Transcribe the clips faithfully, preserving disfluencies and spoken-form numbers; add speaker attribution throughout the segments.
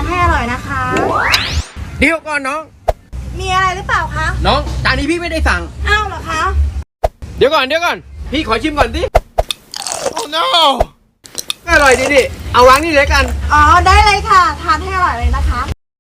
Speaker 1: านให้อร่อยนะคะ
Speaker 2: เดี๋ยวก่อนน้อง
Speaker 1: มีอะไรหรือเปล่าคะ
Speaker 2: น้องจานนี้พี่ไม่ได้สั่ง
Speaker 1: อ้าวเหรอคะ
Speaker 2: เดี๋ยวก่อนเดี๋ยวก่อนพี่ขอชิมก่อนดิ Oh no อร่อยดีดิเอาวางนี่เลยกัน
Speaker 1: อ๋อได้เลยค่ะทานให้อร่อยเลยนะคะ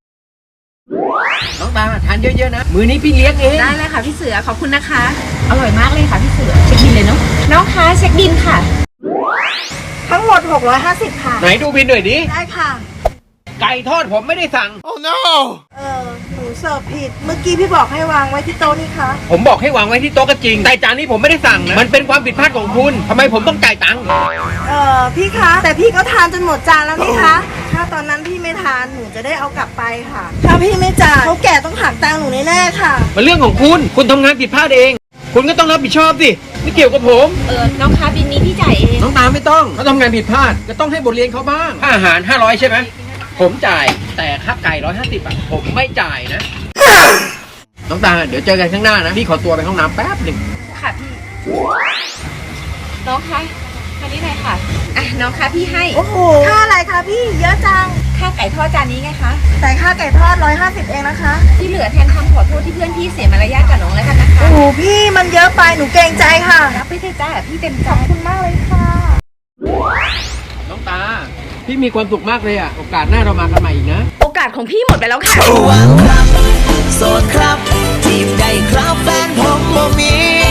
Speaker 2: น้องตาทานเยอะๆนะมือนี้พี่เลี้ยงเอง
Speaker 3: ได้เลยค่ะพี่เสือขอบคุณนะคะอร่อยมากเลยค่ะพี่เสือเช็คบินเลยเนาะน้องคะเช็คบินค่ะ
Speaker 1: ทั้งหมดหกร้อยห้าสิบค่ะ
Speaker 2: ไหนดูบินหน่อยดิ
Speaker 1: ได้ค่ะ
Speaker 2: ไก่ทอดผมไม่ได้สั่ง Oh no
Speaker 1: เออหนูเสิร์ฟผิดเมื่อกี้พี่บอกให้วางไว้ที่โต๊ะนี่คะ
Speaker 2: ผมบอกให้วางไว้ที่โต๊ะก็จริงแต่จานนี้ผมไม่ได้สั่งนะมันเป็นความผิดพลาดของคุณทำไมผมต้องจ่ายตังค์
Speaker 1: เออพี่คะแต่พี่ก็ทานจนหมดจานแล้วนี่คะถ้าตอนนั้นพี่ไม่ทานหนูจะได้เอากลับไปค่ะถ้าพี่ไม่จ่ายเขาแก่ต้องหักตังค์หนูแน่ๆค่ะ
Speaker 2: มันเรื่องของคุณคุณทำงานผิดพลาดเองคุณก็ต้องรับผิดชอบสิไม่เกี่ยวกับผม
Speaker 3: เออน้องคะบินนี้พี่จ่ายเอง
Speaker 2: น้องตาไม่ต้องเขาทำงานผิดพลาดก็ต้องให้บทเรียนเขาบ้างค่าอาหารห้าร้อยใช่ไหมผมจ่ายแต่ค่าไก่ร้อยห้าสิบอ่ะผมไม่จ่ายนะน้องตาเดี๋ยวเจอกันข้างหน้านะพี่ขอตัวไปห้องน้ำแป๊บหนึ่ง
Speaker 3: ค่ะพี่น้องคะมานี่หน่อยค่ะอ่ะน้องคะพี่ให้
Speaker 1: โอ้โหค่าอะไรคะพี่เยอะจัง
Speaker 3: ค่าไก่ทอดจานนี้ไงคะ
Speaker 1: แต่ค่าไก่ทอดร้อยห้าสิบเองนะคะ
Speaker 3: ที่เหลือแทนคำขอโทษที่เพื่อนพี่เสียมารยาทกับน้องแล้วกันนะคะ
Speaker 1: โอ้โหพี่มันเยอะไปหนูเกรงใจค่ะ
Speaker 3: รับไปเถอะจ้าพี่เต็มใจ
Speaker 1: ขอบคุณมากเลยค่ะ
Speaker 2: น้องตาพี่มีความสุขมากเลยอ่ะโอกาสหน้าเรามากันใหม่อีกนะ
Speaker 3: โอกาสของพี่หมดไปแล้วค่ะ
Speaker 4: ระวังครับโสดครับจีบได้ครับแฟนผมบ่มี